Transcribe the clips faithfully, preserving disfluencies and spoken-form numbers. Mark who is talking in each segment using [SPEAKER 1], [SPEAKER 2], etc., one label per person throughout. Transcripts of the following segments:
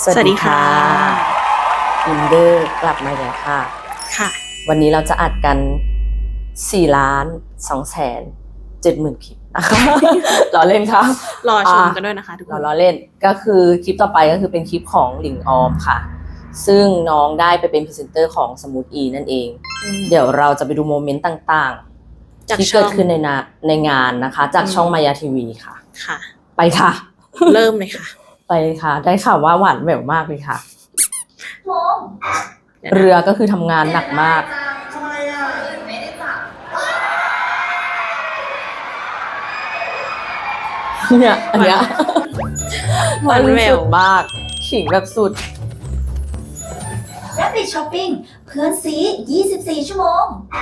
[SPEAKER 1] สวัสดีค่ะอินเดอร์กลับมาแล้วค่ะ
[SPEAKER 2] ค่ะ
[SPEAKER 1] วันนี้เราจะอัดกันสี่ล้านสองแสนเจ็ดหมื่นคลิปนะคะรอเล่นค่ะ
[SPEAKER 2] รอชมกันด้วยนะคะทุกคน
[SPEAKER 1] รอเล่นก็คือคลิปต่อไปก็คือเป็นคลิปของหลิงออมค่ะซึ่งน้องได้ไปเป็นพรีเซนเตอร์ของสมูทอีนั่นเองเดี๋ยวเราจะไปดูโมเมนต์ต่างๆที่เกิดขึ้นในนาในงานนะคะจากช่องมายาทีวีค่ะ
[SPEAKER 2] ค่ะ
[SPEAKER 1] ไปค่ะ
[SPEAKER 2] เริ่มเลยค่ะ
[SPEAKER 1] ไปค่ะได้ข่าวว่าหวานแหววมากเลยค่ะเรือก็คือทำงานหนักมากเนี่ยอันเนี้ย
[SPEAKER 2] หวานแหวว
[SPEAKER 1] มากขิงแบบสุด
[SPEAKER 3] Rapid Shopping เพื่อนซียี่สิบสี่ชั่วโมง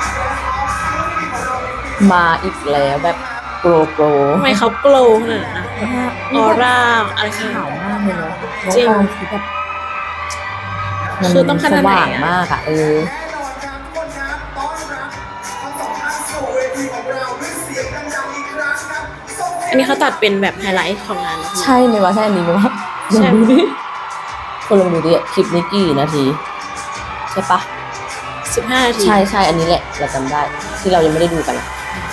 [SPEAKER 1] มาอีกแล้วแบบโกรโกร
[SPEAKER 2] ทำไมเขาโกลขนาดนั้นนะออร่าอะไรขาว
[SPEAKER 1] มากเลยเนาะ
[SPEAKER 2] จริง
[SPEAKER 1] คือแบบ
[SPEAKER 2] คือต้องขนาดไหน
[SPEAKER 1] สว่างมากอะเออ
[SPEAKER 2] อันนี้เขาตัดเป็นแบบไฮไลท์ของงาน
[SPEAKER 1] ใช่ไหมวะใช่อันนี้ไหมวะ
[SPEAKER 2] ใช่
[SPEAKER 1] คนลองดูดิคลิปนี้กี่นาทีใช่ปะ
[SPEAKER 2] สิบห้านาที
[SPEAKER 1] ใช่ใช่อันนี้แหละเราจำได้ที่เรายังไม่ได้ดูกัน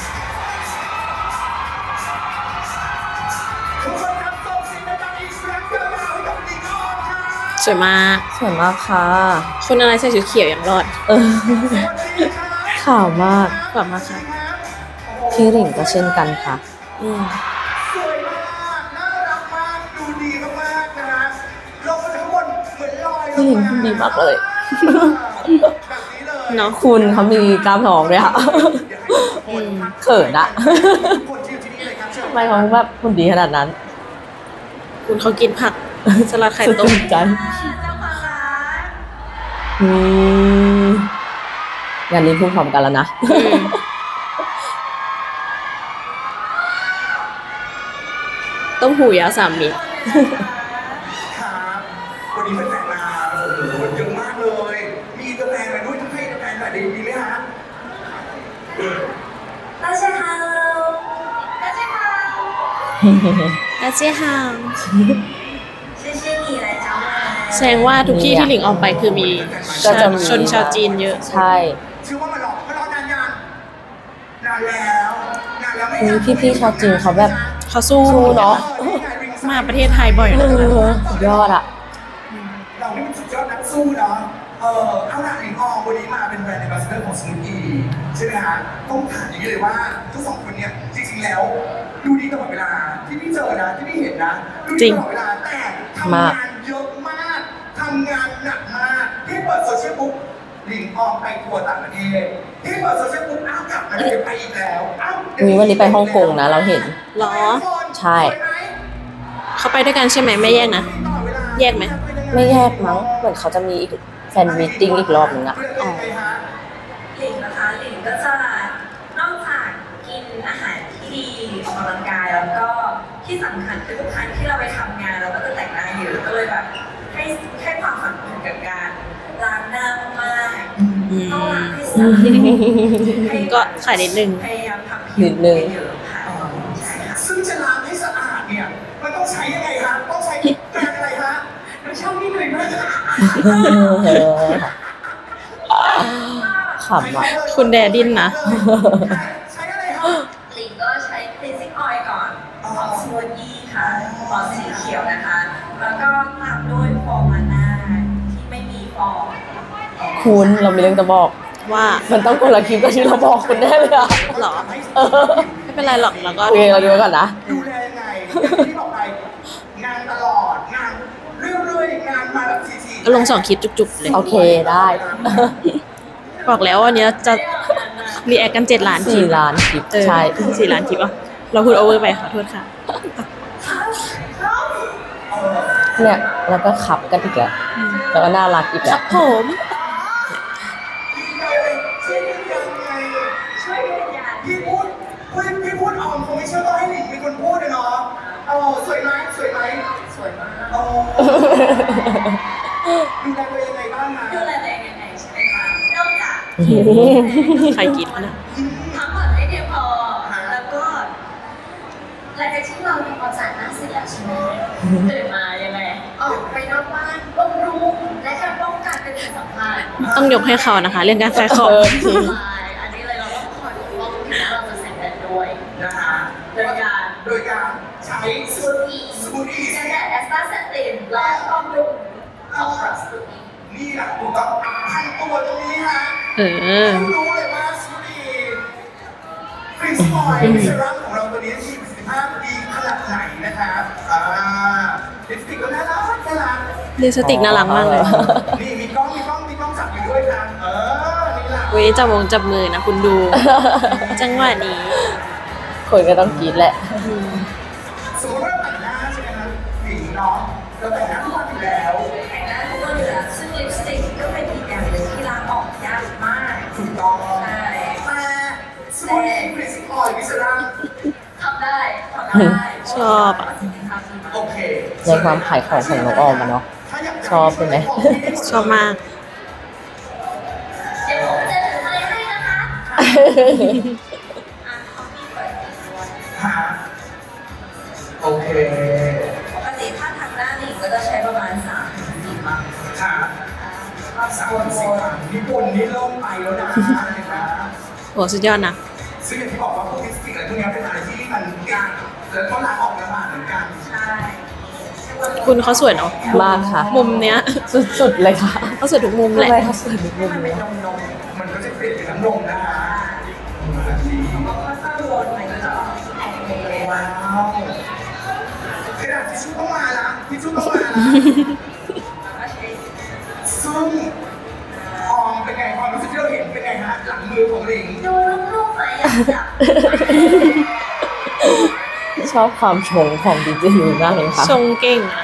[SPEAKER 2] สวยมาก
[SPEAKER 1] สวยมากค่ะ
[SPEAKER 2] คนอะไรใส่ชุดเขียวอย่างรอด
[SPEAKER 1] เออข่าวมาก
[SPEAKER 2] ขอบมากค่ะ
[SPEAKER 1] พี่หลิงก็เช่นกันค่ะ
[SPEAKER 2] อืม
[SPEAKER 4] สวยมากน่ารักมากดูดีมากๆนะฮะลงมาทั้งหมดเหมือนลอย
[SPEAKER 1] พี่หลิงพูดดีมากเลย
[SPEAKER 2] เนาะ
[SPEAKER 1] คุณเขามีกล้ามท้องด้วยค่ะเขินอะทำไมเขาแบบพูดดีขนาดนั้น
[SPEAKER 2] คุณเขากินผักสลัดไข่ต้ม
[SPEAKER 1] ใจนี่งานนี้พูดพร้อมกันแล้วนะ
[SPEAKER 2] ต้มหูยาสามมิตร
[SPEAKER 4] ครับวันนี้เป็นแฟนมาโอ้โหเยอะมากเลย มีกาแฟมาด้วยทั้งให้กาแฟแต่ดีดีไหมฮะ
[SPEAKER 3] 大家好大家好
[SPEAKER 2] อาเจียฮาว
[SPEAKER 3] 谢谢你来找我
[SPEAKER 2] แสดงว่าทุกที่ที่หลิงออกไปคือมีชนชาวจีนเยอะ
[SPEAKER 1] ใช่
[SPEAKER 4] ชื่อว่ามารอมารอนานยังนานแล้วนานแล้วไม่
[SPEAKER 1] พี่พี่ชาวจีนเขาแบบ
[SPEAKER 2] เขาสู้
[SPEAKER 1] เนาะ
[SPEAKER 2] มาประเทศไทยบ่อยนะ
[SPEAKER 1] สุดยอดอะ
[SPEAKER 4] เรานี่มันสุดยอดนักสู้เนาะเออเอาล่ะหลิงออมวันนี้มาเป็นแบรนด์แอมบาสเดอร์ของสมูทอีใช่ไหมฮะต้องถามอย่างนี้เลยว่าทั้งสองคนเนี่ยจริงๆแล้วดูดีตลอดเวลาที่พี่เจอนะที่พี่เห็นนะดูดีตลอดเวลาแต่ทำงานเยอะมากทำงานหนักมากที่เปิดโซเชียลบุ๊กหลิงออมไปทัวร์ต่างประเทศที่เปิดโซเชียลบุ๊กอ้าวกลับมาเดี๋ยวไปอีกแล้วอ้าว
[SPEAKER 1] มีวันนี้ไปฮ่องกงนะเราเห็น
[SPEAKER 2] หรอ
[SPEAKER 1] ใช่
[SPEAKER 2] เขาไปด้วยกันใช่ไหมไม่แยกนะแยกไหม
[SPEAKER 1] ไม่แยกมั้งเหมือนเขาจะมีอีกแฟนมีตติ้งอีกรอบนึงอะ
[SPEAKER 3] หลิงนะคะหลิงก็จะนอกจากกินอาหารที่ดีออกกำลังกายแล้วก็ที่สำคัญคือทุกครั้งที่เราไปทำงานเราก็จะแต่งหน้าเยอะก็เลยแบบให้ให้ความสำคัญกับการล้างหน้ามากๆต้องล้างให้สะอาด
[SPEAKER 2] ก็ขายนิดนึง
[SPEAKER 3] พยายามทำผิวให้เยอะค่ะ
[SPEAKER 4] ซึ่งจะล้างให้สะอาดเนี่ยมันต้องใช้ยังไงฮะต้องใช้แปรงอะไรฮะน้ำชาพี่หน่อยมาก
[SPEAKER 1] ขำอ่ะ
[SPEAKER 2] คุณแดดินนะ
[SPEAKER 4] ใช้อะไรฮะ
[SPEAKER 3] หลิงก็ใช้ cleansing oil ก่อนของสมูทตี้ค่ะหลอดสีเขียวนะคะแล้วก็ตามด้วยฟอร์มาน่าที่ไม่มีฟอง
[SPEAKER 1] คุณเรามีเรื่องจะบอก
[SPEAKER 2] ว่า
[SPEAKER 1] มันต้องคนละคลิปกับที่เราบอกคุณแน่เลยอะ
[SPEAKER 2] หรอไม่เป็นไรหรอกแล้วก็
[SPEAKER 1] โอเคเราดูก่อนนะ
[SPEAKER 4] ดูแลยังไงที่บอกไปงานตลอดงานเรื่อยๆงานมาแบบทีๆ
[SPEAKER 2] ลงสองคลิปจุกๆเลย
[SPEAKER 1] โอเคได้
[SPEAKER 2] บอกแล้ววันนี้จะรีแอคกันเจ็ดล้านคลิป
[SPEAKER 1] สี่ล้านคลิปใช่
[SPEAKER 2] สี่ล้านคลิปอ่ะเราพูดโอเวอร์ไปขอโทษค่ะ
[SPEAKER 1] เนี่ยแล้วก็ขับกันอีกแล้วแล้วก็น่ารักอีกแล้ว
[SPEAKER 2] ครับผม
[SPEAKER 4] พี่พูดพี่พี่พูดออมคงไม่เชื่อต้องให้หลิงเป็นคนพูดเลยเนาะเออสวยไหมสวยไหม
[SPEAKER 3] สวยมาก
[SPEAKER 4] โอ้ดูแลตัวเองยังไงบ้างนะ
[SPEAKER 3] ดูแลตัวเองยังไงใช่ไหมคะนอกจาก
[SPEAKER 2] ใครกินนะ
[SPEAKER 3] พักผ่อนให้เพียงพอแล้วก็หลังจากที่เราทำความสะอาดหน้าเสร็จแล้วใช่ไหมตื่นมายังไงออกไปนอกานบำรุงและการป้องกันเป็นสิ่งสำคัญ
[SPEAKER 2] ต้องยกให้เขานะคะ เรื่องการขายของ
[SPEAKER 1] เออจริง
[SPEAKER 3] ใช่อันนี้เลยเราต้องคอยปกป้องถึงแม้เราจะเสร็จแล้วด้วย
[SPEAKER 4] นะคะโดยการโดยการใช้
[SPEAKER 3] สมูทอี
[SPEAKER 4] สมูทตี้
[SPEAKER 3] จะได้แอสตาเซตินและบำรุงของสมูทอี
[SPEAKER 4] นี่แหละถูกต้องทั้งตัวตรงนี้ฮะ
[SPEAKER 2] เออ
[SPEAKER 4] รู้เลยว่าสมูทตี้ฟรีสปอยล์เซรั่มของเราตัวนี้มีประสิทธิภาพดีขนาดไหนนะครับอ่าลิปสติกก็น่ารักน่ารัก
[SPEAKER 2] ลิปสติกน่ารักมากเลย
[SPEAKER 4] นี่มีกล้องมีกล้องมีกล้องจับอยู่ด้วยครับเออนี่แหละ
[SPEAKER 2] เว้ยจับวงจับมือนะคุณดู จังหวะนี้
[SPEAKER 1] คนก็ต้องกรีดแหละ
[SPEAKER 4] สมมติว่าแต่งหน้าใช่ไหมครับหญิงเนาะเราแต่งหน้าทุกวันอยู่แล้ว
[SPEAKER 3] แต่งหน้าทุกวันอยู่แล้วซึ่งลิปสติกก็เป็นอีกอย่างหนึ่งที่ล้างออกยากมาก
[SPEAKER 4] ถูกต้อง
[SPEAKER 3] ใช่
[SPEAKER 4] แต่สมูทตี้ฟรีสปอยล์มิสเซรั่ม
[SPEAKER 3] ทำได้ทำได้
[SPEAKER 2] ชอบอะ
[SPEAKER 4] โอเค
[SPEAKER 1] ในความขายของของน้องออมอะเนาะ
[SPEAKER 4] ถ้าอยากจะ
[SPEAKER 1] ชอบใช่ไหม
[SPEAKER 2] ชอบมาก
[SPEAKER 3] เดี๋ยวผมจะถือไม้ให้นะคะอ่ะเขามีเปิดอีกด้วย
[SPEAKER 4] หาโอเค
[SPEAKER 3] ปกติถ้าทางด้านนี้ก็จะใช้ประมาณสามถึงสี่ครั้ง
[SPEAKER 4] ค่ะ
[SPEAKER 3] ก็
[SPEAKER 4] สาม
[SPEAKER 3] วน
[SPEAKER 4] สิบ
[SPEAKER 3] ๆ
[SPEAKER 4] ครั้งนี่บนนี่เริ่มไปแล้วนะเห็นไหม
[SPEAKER 2] โหสุดยอดนะ
[SPEAKER 4] ซึ่งอย่างที่บอกว่าพวกลิปสติกอะไรพวกนี้เป็นอะไรที่มันยากแล้วก็ล้างออกลำบากเหมือนกัน
[SPEAKER 3] ใช่
[SPEAKER 2] คุณเขาสวยเนาะ
[SPEAKER 1] มากค่ะ
[SPEAKER 2] มุมเนี้ย
[SPEAKER 1] สุดๆเลยค่ะ
[SPEAKER 2] เขาสวยทุกมุมแห
[SPEAKER 1] ทำ
[SPEAKER 2] ละ
[SPEAKER 1] ไมเขาสวยทุกมุม
[SPEAKER 3] มันเป็
[SPEAKER 1] เล
[SPEAKER 3] น
[SPEAKER 1] ย
[SPEAKER 3] นมนม
[SPEAKER 4] มันก็จะเปลี่ยนเป็นน้ำนมนะคะดี
[SPEAKER 3] ก็ค่อยๆวนมันก็จะออกแอนเลย
[SPEAKER 4] ว้าวกระดาษทิชชู่ต้องมาละทิชชู่ต้องมาละ
[SPEAKER 3] แล้วก็ใช้
[SPEAKER 4] ซึ่งออมเป็นไงความรู้สึกที่เราเห็นเป็นไงฮะหลังมือของหลิง
[SPEAKER 3] ดูลูกๆไหมอยากจับ
[SPEAKER 1] ชอบความชงของดีเจยูมากเลยค่ะ
[SPEAKER 2] ชงเก่งอะ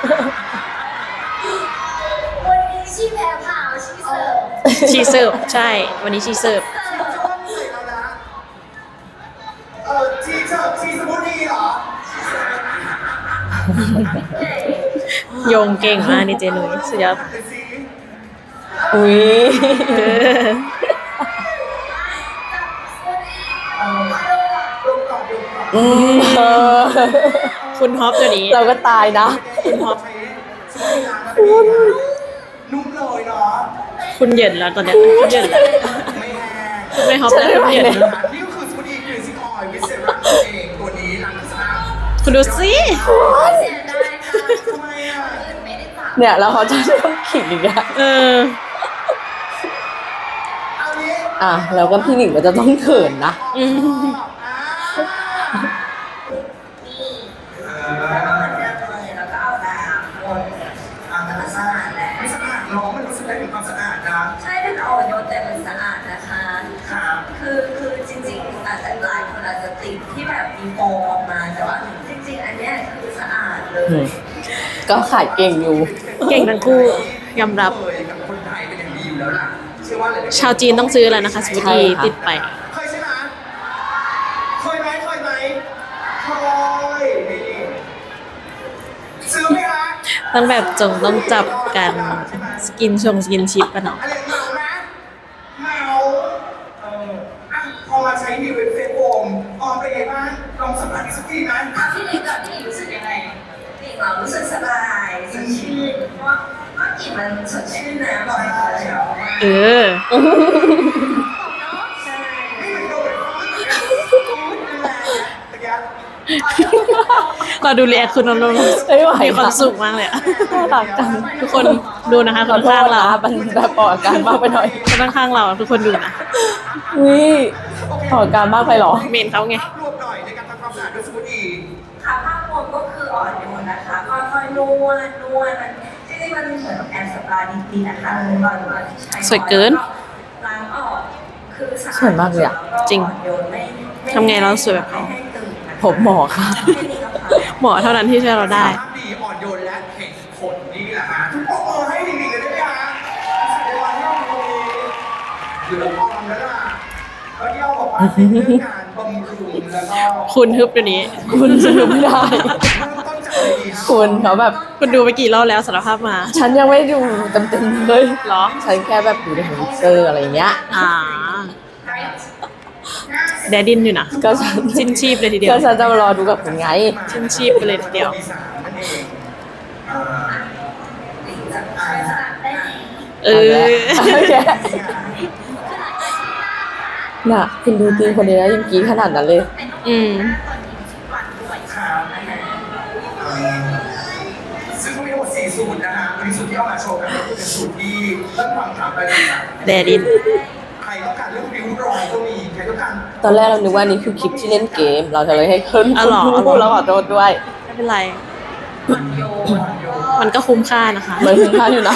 [SPEAKER 3] วันนี้ชีแพ้ผ่าชีเสิร์ฟ
[SPEAKER 2] ชีเสิร์ฟใช่ วันนี้ชีเสิร์ฟ
[SPEAKER 4] เราจะว่าเหนื่อยแล้วนะเออชีเชอร์ชีสมูทตี้เหรอ
[SPEAKER 2] โยงเก่งมากนี่เจนุ้ยสุดยอด
[SPEAKER 4] เดี๋ยวสิ
[SPEAKER 1] อุ้ย
[SPEAKER 2] เออ
[SPEAKER 4] เออดมก่อนดมก่อน
[SPEAKER 1] อืมเออ
[SPEAKER 2] คุณฮอปตัวนี้
[SPEAKER 1] เราก็ตายนะ
[SPEAKER 4] คุณพอใช้สมูทตี้ล้างแล้วเป็นยังไงนุ่มเลยเนาะ
[SPEAKER 2] คุณเหยินแล้วตอนเนี้ยคุณเหยินแล้ว
[SPEAKER 4] ไม่แห้ง
[SPEAKER 2] คุณไม่ฮอปแล้วคุณเหยิน
[SPEAKER 4] นี่ก็คือสมูทตี้กรีนซิคอยวิเซรั่มเองตัวนี้ล้างสะอาด
[SPEAKER 2] คุณดูสิ
[SPEAKER 3] เสียดายค่ะ
[SPEAKER 4] ทำไมอ่ะ
[SPEAKER 3] อื่นไม่ได้จับ
[SPEAKER 1] เนี่ยแล้วเขาจะต้องขิงอีกอะ
[SPEAKER 2] เออ
[SPEAKER 4] เอานี้
[SPEAKER 1] อ่ะแล้วก็พี่หนิงก็จะต้องเขินนะ
[SPEAKER 2] อืม
[SPEAKER 3] นี่แล้วก็เหมือนเดิมเลยแล้วก็เอาน้ำวน
[SPEAKER 4] อ่ามันสะอาดแหละไม่สะอาดน้องมันรู้สึกได้ถึงความสะอาดนะ
[SPEAKER 3] ใช่เป็นอ่อนโยนแต่มันสะอาดนะคะ
[SPEAKER 4] ครับ
[SPEAKER 3] คือคือจริงๆอาจจะหลายคนอาจจะติดที่แบบมีโฟมออกมาแต่ว่าจริงๆ อันเนี้ยคือสะอาดเลย
[SPEAKER 1] อืม ก็ขายเก่งอยู่
[SPEAKER 2] เก่งทั้งคู่ยอมรับ
[SPEAKER 4] เคยกับคนไทยเป็นอย่างดีอยู่แล้วล่ะเชื่อว่าหลายๆ
[SPEAKER 2] ชาวจีนต้องซื้อแล้วนะคะสมูทตี้
[SPEAKER 1] ใช่ค่ะ
[SPEAKER 2] ติดไป
[SPEAKER 4] เคยใช่ไหมเคยไหมเคยไหมเคยนี่ซื้อไหมคะ
[SPEAKER 2] ต้องแบบจงต้องจับกันสกินชงสกินชิปกันเนาะ
[SPEAKER 4] อะไรเมานะเมาเอออ่ะพอมาใช้ดีเว็บเฟซโฟมออมเป็นไงบ้างลองสัมผัสอีกสักทีไหม
[SPEAKER 3] อ่ะพี่หนิงก่อนพี่หนิงรู้สึกยังไงพี่หนิงเรารู้สึกสบายสดชื่นเพราะว่าเมื่อกี้มันสดชื่นนะบอกเลยว่าเชียว
[SPEAKER 2] เออ
[SPEAKER 3] ใช่
[SPEAKER 4] นี่มันโดนตะกี้
[SPEAKER 2] เราดูเรียกคุณนนท์
[SPEAKER 1] ไม่ไหว
[SPEAKER 2] มีความ
[SPEAKER 1] ค่ะ
[SPEAKER 2] สุขมากเลยอะ
[SPEAKER 1] น่ารักจัง
[SPEAKER 2] ทุกคนดูนะคะ
[SPEAKER 1] ข
[SPEAKER 2] ค
[SPEAKER 1] อน โทษ
[SPEAKER 2] ข้างเรา
[SPEAKER 1] นะมันแบบออกอาการมากไปหน่อย
[SPEAKER 2] คนข้างเราทุกคนดูนะ
[SPEAKER 1] อุ้ยออกอาการมากไปเหรอ
[SPEAKER 2] เมนเขาไง
[SPEAKER 4] ภาพรวมหน่อยในการทำความสะอาดด้วยสมูทตี้
[SPEAKER 3] ค่ะภาพรวมก็คืออ่อนโยนนะคะค่อยๆนวดนวดมันจริงๆมันเหมือนกับแอนสปาดีๆนะคะตอนตอนที่ใช้
[SPEAKER 2] สวยเกิน
[SPEAKER 3] ล้างออกคือสะอาด
[SPEAKER 1] สวยมากเลยอะ
[SPEAKER 3] แล้ว
[SPEAKER 2] จริง
[SPEAKER 3] อ่อนโยนไม่ม่
[SPEAKER 2] ทำไงเราสวยแบบเขา
[SPEAKER 3] ไม่ให้ตื่นนะคะ
[SPEAKER 1] ผมหมอค่ะ
[SPEAKER 3] ไม่มีกระเพรา
[SPEAKER 2] หมอเท่านั้นที่ช่วยเราได้
[SPEAKER 4] ภาพดีอ่อนโยนและเห็นผลนี่แหละฮะทุกปรบมือให้ดีๆเลยได้ไหมฮะแสดงว่าที่เราตรงนี้หรือเราพร้อมแล้วล่ะแล้วที่เราบอกว่าเป็นเรื่องการบำรุงแล้วก็
[SPEAKER 2] คุณฮึบเดี๋ยวนี้
[SPEAKER 1] คุณสนุกไม่ได้
[SPEAKER 4] เริ่มต้นจากอะไรดีฮะ
[SPEAKER 1] คุณเขาแบบ
[SPEAKER 2] คุณดูไปกี่รอบแล้วสารภาพมา
[SPEAKER 1] ฉันยังไม่ดูเต็มๆเลย
[SPEAKER 2] เหรอ
[SPEAKER 1] ฉันแค่แบบดูในทวิตเตอร์อะไรเงี้ย
[SPEAKER 2] อ่าแดดดินอยู่นะ
[SPEAKER 1] ก็ฉัน
[SPEAKER 2] สิ้นชีพเลยทีเดียว
[SPEAKER 1] ก็ฉันจะมารอดูกับคุณไง
[SPEAKER 2] ชิ้นชีพไปเลยทีเดียว
[SPEAKER 4] ปีสามนั่นเองอ่า
[SPEAKER 3] หลิงจะ
[SPEAKER 4] อ่า
[SPEAKER 3] สลับได้ไหม
[SPEAKER 2] เออ
[SPEAKER 1] โอเคน่ะคุณดูตีมคนนี้นะยังกรี๊ดขนาดนั้นเลย
[SPEAKER 2] อืม
[SPEAKER 3] ตอนนี้ทุกวันด้วย
[SPEAKER 4] ครับเอ่อซึ่งเขามีทั้งหมดสี่สูตรนะฮะวันนี้สูตรที่เอามาโชว์กันก็คือเป็นสูตรที่เริ่มความถามไปเลยนะ
[SPEAKER 2] แดดิน
[SPEAKER 4] ใครต้องการเรื่องริ้วรอยก็มีใครต้องการ
[SPEAKER 1] ตอนแรกเรานึกว่านี่คือคลิปที่เล่นเกม เราจะเลยให้ขึ้น
[SPEAKER 2] อ๋อเหรอ
[SPEAKER 1] คุณพูดแล้วขอโทษด้วย
[SPEAKER 2] ไม่เป็นไร
[SPEAKER 3] มันโยนโยน
[SPEAKER 2] มันก็คุ้มค่านะคะ
[SPEAKER 1] มันถึงค่าอยู่นะ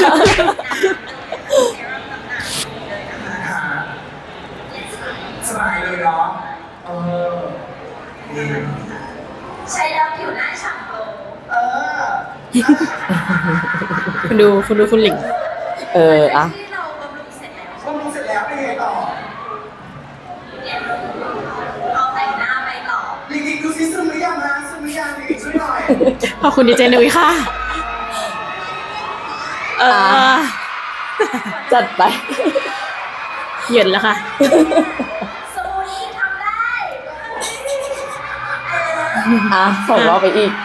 [SPEAKER 4] หาสบายเลยเนาะเออนี่
[SPEAKER 3] ใช้แล้วผิวหน้าฉ่ำโต
[SPEAKER 4] เออ
[SPEAKER 2] คุณดูคุณดูคุณหลิง
[SPEAKER 1] เอออะ
[SPEAKER 3] ที่เราบำรุงเสร็จแล้ว
[SPEAKER 4] บำรุงเสร็จแล้วเป็นไงต่อ
[SPEAKER 3] เนี่ยเอาแต่งหน้าไปต่อ
[SPEAKER 4] ลิงลิงดูซิซึมหรือยังฮะซึมหรือยังลิงช่วยหน่อย
[SPEAKER 2] ขอบคุณดีเจนุ้ยค่ะ เออ
[SPEAKER 1] จัดไป
[SPEAKER 2] เหยินแล้วค่ะ
[SPEAKER 3] สมูทตี้ทำได้
[SPEAKER 1] อ่ะส่งเราไปอีก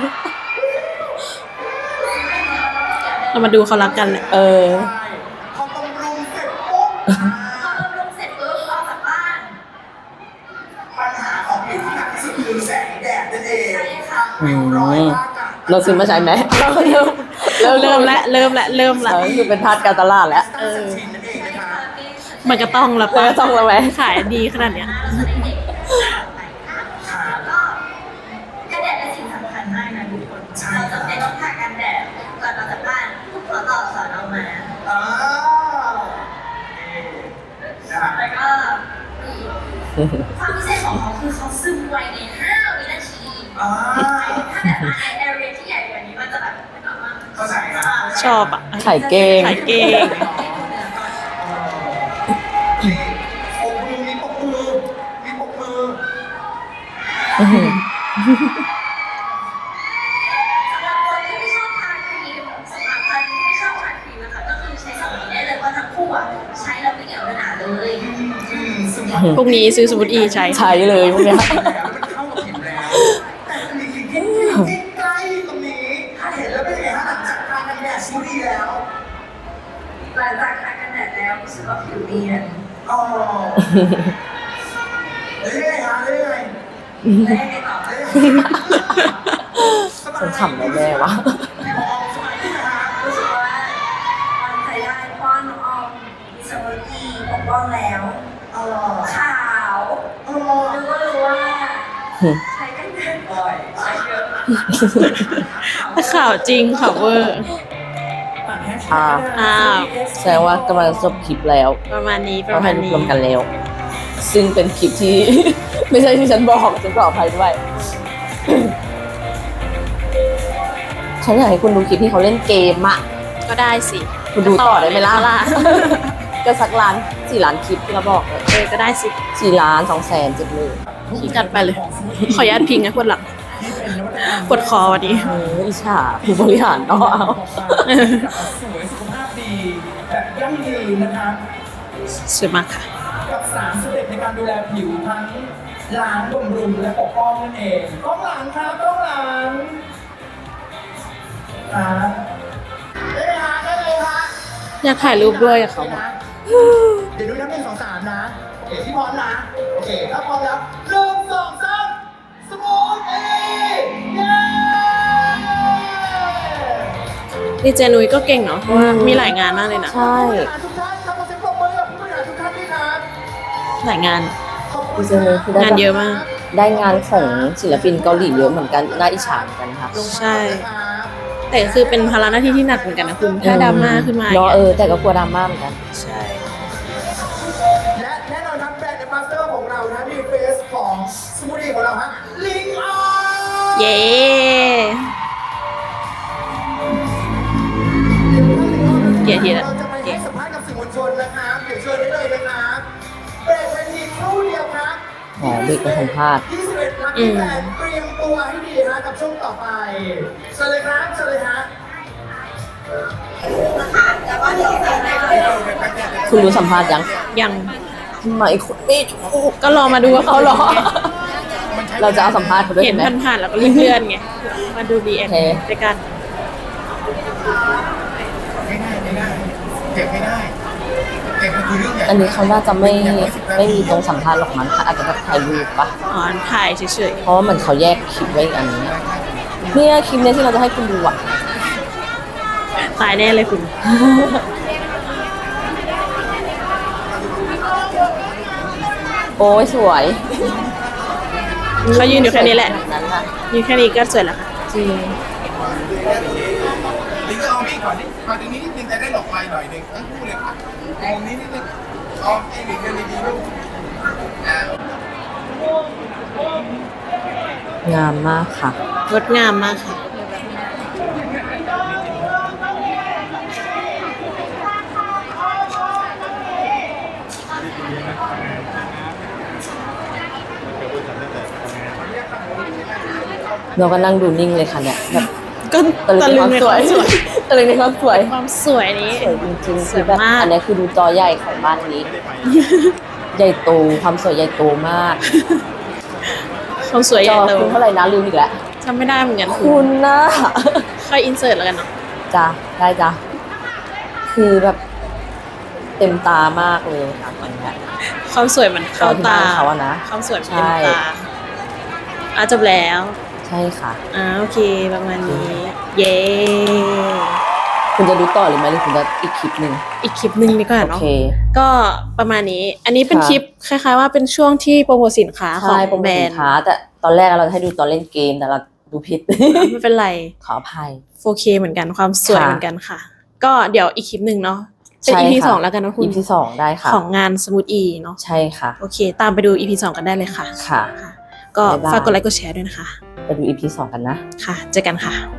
[SPEAKER 2] เรามาดูเขารักกันแหละ
[SPEAKER 1] เออ
[SPEAKER 4] พอบำรุงเสร็จปุ๊บ
[SPEAKER 3] พอบำรุงเสร็จปุ๊บออกจากบ้าน
[SPEAKER 4] ปัญหาของผิวที่หนักที่สุดคือแสงแดดนั่นเอง
[SPEAKER 3] ใช่ค่ะ
[SPEAKER 4] ริ้วรอยว่ากัน
[SPEAKER 1] เราซื้อมาใช้ไหมเราเริ่ม
[SPEAKER 2] เริ่มแล้วเริ่มแล้วเริ่มแล้ว
[SPEAKER 1] เออคือเป็นทาสการตลาดแล้ว
[SPEAKER 4] เออชินนั่นเองนะคะ
[SPEAKER 2] มันก็ต้องแล้ว
[SPEAKER 1] มัน
[SPEAKER 2] ปะ
[SPEAKER 1] ก็ต้องแล้วไหม
[SPEAKER 2] ขายดีขนาดเนี้ย
[SPEAKER 3] เราจะได้เด็กแล้วก็กันแดดเป็นสิ่งสำคัญมากนะทุกคน เราจำเป็นต้องทากันแดดก่อนออกจากบ้านขอต่อสอนเอามา
[SPEAKER 4] อ้าวนะฮะ
[SPEAKER 3] แล้วก็ความพิเศษของเขาคือเขาซึมไวในห้าวินาที
[SPEAKER 4] อ่า
[SPEAKER 3] ถ้าแบบว่าในแอเรียที่ใหญ่กว่านี้มันจะแบบไม่ต้องมา
[SPEAKER 4] เข้าใจนะ
[SPEAKER 2] ชอบอ่ะ
[SPEAKER 1] ขายเก่ง
[SPEAKER 2] ขายเก่ง
[SPEAKER 4] นี่ปกมือมีปกมือมีปกมือ
[SPEAKER 1] อื้อหือ
[SPEAKER 3] สำหรับคนที่ไม่ชอบทาครีมสำหรับคนที่ไม่ชอบทาครีมนะคะก็คือใช้สองนี้ได้เลยเพราะทั้งคู่อ่ะใช้แล้วไม่เหนียวหนาเลย
[SPEAKER 4] อืมซึ่ง
[SPEAKER 2] พวกนี้ซื้อสมุดอีใช้
[SPEAKER 1] ใช้เลยพวกเนี้ย
[SPEAKER 4] แล้วมันเข้ากับผิวแล้ว แต่มีสิ่งที่ที่ใกล้ตรงนี้ถ้าเห็นแล้วเป็นยังไงฮะหลังจากทานกันแดดสมูทตี้แล้ว
[SPEAKER 3] หลังจากทากันแดดแล้วรู้สึกว่าผิวเนียน
[SPEAKER 4] อ๋อแล้วยังไงฮะแล้วยังไง
[SPEAKER 3] และยังไงต่อ
[SPEAKER 4] แล้วยังไง
[SPEAKER 1] ฉันขำแล้วแม่วะ
[SPEAKER 4] พี่พอสบายดีนะฮะ
[SPEAKER 3] รู้สึกว่ามันใจได้เพราะว่าน้องออมมีสมูทตี้ปกป้องแล้ว
[SPEAKER 4] เออ
[SPEAKER 3] ขาว
[SPEAKER 4] เออ
[SPEAKER 3] รู้ก็รู้ว่าใช้กันแดดบ่อยใช้เยอะ
[SPEAKER 2] ข่าวจริงข่าวเวอร์
[SPEAKER 1] อ่า
[SPEAKER 2] อ้าว
[SPEAKER 1] แสดงว่ากำลังจบคลิปแล้ว
[SPEAKER 2] ประมาณนี้ป
[SPEAKER 1] เรา
[SPEAKER 2] ระมา
[SPEAKER 1] ให้
[SPEAKER 2] ณ
[SPEAKER 1] ร
[SPEAKER 2] นี้
[SPEAKER 1] วมกันแล้ว ซึ่งเป็นคลิปที่ ไม่ใช่ที่ฉันบอกฉันขออภัยด้วย ฉันอยากให้คุณดูคลิปที่เขาเล่นเกมอะ
[SPEAKER 2] ก็ได้สิ
[SPEAKER 1] คุณดูต่อได้ไหมล่ะ
[SPEAKER 2] ล่ะ
[SPEAKER 1] ก็สักล้านสี่ล้านคลิปที่เราบอกเลย
[SPEAKER 2] เออก็ได้สิ
[SPEAKER 1] สี่ล้านสองแสนเจ็ดหมื่น
[SPEAKER 2] จัดไปเลย ขออนุญาตพิงนะปวดหลังปวดคอวันนี้
[SPEAKER 1] เอออิจฉาผู้บริหารเนาะเอา
[SPEAKER 4] สวยสุขภาพดีแบบยั่งยืนนะคะ
[SPEAKER 2] สวยมากค่ะ
[SPEAKER 4] กับสามสเต็ปในการดูแลผิวทั้งล้างบำรุงและปกป้องนั่นเองกล้องหลังครับกล้องหลังครับได้ไหมฮะได้เลยฮะ
[SPEAKER 2] อยากถ่ายรูปด้วยกับเขา
[SPEAKER 4] เดี๋ยวดูนับหนึ่งสองสามนะโอเคที่พร้อมนะโอเคถ้าพร้อมแล้วหนึ่งสองสามสมูทเอเย้
[SPEAKER 2] ดีเจนุ้ยก็เก่งเนาะเพราะว่ามีหลายงานมากเลยนะ
[SPEAKER 1] ใช่
[SPEAKER 4] ทุกท่านครับขอเสียงปรบมือกับผู้บริหารทุกท่านด้วยครับ
[SPEAKER 2] หลายงาน
[SPEAKER 4] ขอบคุณ
[SPEAKER 1] ดีเจนุ้ยคือได้
[SPEAKER 2] งานเยอะมาก
[SPEAKER 1] ได้งานของศิลปินเกาหลีเยอะเหมือนกันน่าอิจฉาเหมือนกันค่ะ
[SPEAKER 2] ใช่ แต่ก็คือเป็นภาระหน้าที่ที่หนักเหมือนกันนะคุณ ถ้าดราม่าขึ้นมา
[SPEAKER 1] เนาะเออแต่ก็กลัวดราม่าเหมือนกัน
[SPEAKER 2] ใช่
[SPEAKER 4] และแน่นอนครับแบรนด์แอมบาสเดอร์ของเรานะมีเฟสของสมูทตี้ของเราฮะลิงออน
[SPEAKER 2] เย้ เกียรติทีละ
[SPEAKER 4] เราจะไปให้สัมภาษณ์กับสื่อมวลชนนะครับเดี๋ยวเชิญได้เลยนะครับเบรกเวทีครู่เดียวครับ
[SPEAKER 1] อ๋อเบรกไปสัมภาษณ์
[SPEAKER 4] ยี่สิบเอ็ดลัคกี้แฟนเตรียมตัวให้ดีฮะกับช่วงต่อไปเชิญเลยครับเชิญเลยฮะ
[SPEAKER 1] คุณรู้สัมภาษณ์ยัง
[SPEAKER 2] ยัง
[SPEAKER 1] ทำไมคุณไม่ถูก
[SPEAKER 2] ก็รอมาดูว่าเขา
[SPEAKER 1] เขา
[SPEAKER 2] ห
[SPEAKER 1] ห
[SPEAKER 2] ร
[SPEAKER 1] ร
[SPEAKER 2] อ
[SPEAKER 1] อ เราจะเอาสัมภาษณ์เขาด้วย
[SPEAKER 2] เห็น
[SPEAKER 1] ใช่ไหม
[SPEAKER 2] ผ่านๆแล้วก็เลื่อนๆไง มาดูดีแอน
[SPEAKER 1] โอเค
[SPEAKER 2] ด้วยกัน
[SPEAKER 5] เก็บไม่ได้เก็บมันคือเรื่องใหญ่
[SPEAKER 1] อันนี้เขาน่าจะไม่ไม่มีตรงสัมภาษณ์หรอกมั้งค่ะอาจจะแบบถ่ายรูปปะ
[SPEAKER 2] อ๋อถ่ายเฉย
[SPEAKER 1] เพราะว่าเหมือนเขาแยกคลิปไว้อีกอันนึงเนี่ยคลิปเนี้ยที่เราจะให้คุณดูอ่ะ
[SPEAKER 2] ๆตายแน่เลยคุณ
[SPEAKER 1] โอ้ยสวย
[SPEAKER 2] เขายืนอยู่แค่นี้แหละ
[SPEAKER 1] นั้นค่ะ
[SPEAKER 2] ยืนแค่นี้ก็สวยแล้วค่ะ
[SPEAKER 1] จริง
[SPEAKER 5] ลิงก็เอามีดก่อนดิมาตรงนี้นิดนึงจะได้หลบไฟหน่อยหนึงทั้งคู่เลยค่ะมุมนี้นิดนึงเอาไอ้หลิงเดินดีๆลูกอ่า
[SPEAKER 1] งามมากค่ะ
[SPEAKER 2] งดงามมากค่ะ
[SPEAKER 1] เราก็นั่งดูนิ่งเลยค่ะเนี่ยแบบ
[SPEAKER 2] ก็
[SPEAKER 1] ตะลึงในความสวย ตะลึงในความสวย
[SPEAKER 2] ความสวยนี้
[SPEAKER 1] สวยจริงๆ
[SPEAKER 2] ส
[SPEAKER 1] คื
[SPEAKER 2] ว
[SPEAKER 1] อย แบบ
[SPEAKER 2] มาก
[SPEAKER 1] อันนี้คือดูจอใหญ่ของบ้านนี้ ใหญ่โตความสวยใหญ่โตมาก
[SPEAKER 2] ความสวยให
[SPEAKER 1] จ
[SPEAKER 2] ญ่
[SPEAKER 1] อ
[SPEAKER 2] โต
[SPEAKER 1] คุณเท่าไหร่นะลืมอีกแล้ว
[SPEAKER 2] จำไม่ได้เหมือนกันคุ
[SPEAKER 1] คุณ ณนะ
[SPEAKER 2] ค่อยอินเสิร์ตแล้วกันเนาะ
[SPEAKER 1] จ้ะได้จ้ะคือแบบเต็มตามากเลยค่ะอันเนี้ย
[SPEAKER 2] ความสวยมันเข้าตา
[SPEAKER 1] จอที่บ้านเขาอะนะ
[SPEAKER 2] ความสวยมัน
[SPEAKER 1] ใช่
[SPEAKER 2] เต็มตาอ่ะจบแล้ว
[SPEAKER 1] ใช่ค่ะ
[SPEAKER 2] อ่าโอเคประมาณนี้ เย้
[SPEAKER 1] คุณจะดูต่อหรือไม่หรือคุณจะอีกคลิปหนึ่ง
[SPEAKER 2] อีกคลิปหนึ่งดีกว่า
[SPEAKER 1] โอ
[SPEAKER 2] เนาะ
[SPEAKER 1] เค
[SPEAKER 2] ก็ประมาณนี้ อันนี้เป็น
[SPEAKER 1] ค่ะ
[SPEAKER 2] คลิปคล้ายๆว่าเป็นช่วงที่โปรโมทสินค้าขอ
[SPEAKER 1] ใช่
[SPEAKER 2] ง
[SPEAKER 1] โปรโม
[SPEAKER 2] แบ
[SPEAKER 1] ท
[SPEAKER 2] ร
[SPEAKER 1] สิ
[SPEAKER 2] น
[SPEAKER 1] น
[SPEAKER 2] ด์
[SPEAKER 1] ค้า แต่ตอนแรกเราจะให้ดูตอนเล่นเกมแต่เราดูผิด
[SPEAKER 2] ไม่เป็นไร
[SPEAKER 1] ขออภัย
[SPEAKER 2] โฟเคเหมือนกันความสวย
[SPEAKER 1] ค่ะ
[SPEAKER 2] เหมือนกันค่ะ ก็เดี๋ยวอีกคลิปหนึ่งเนาะเป็น
[SPEAKER 1] ใช่
[SPEAKER 2] อี พี
[SPEAKER 1] ค่ะ
[SPEAKER 2] สองแล้วกันนะคุณ
[SPEAKER 1] อีพีสองได้ค่ะ
[SPEAKER 2] ของงานสมูทอีเนาะ
[SPEAKER 1] ใช่ค่ะ
[SPEAKER 2] โอเค ตามไปดู อี พี สองกันได้เลยค่ะ
[SPEAKER 1] ค่ะ
[SPEAKER 2] ค่ะ ก็
[SPEAKER 1] บ๊ายบาย
[SPEAKER 2] ฝากกดไลค์กดแชร์ด้วยนะคะ
[SPEAKER 1] ไปดูอีพีสองกันนะ
[SPEAKER 2] ค่ะ เจอกันค่ะ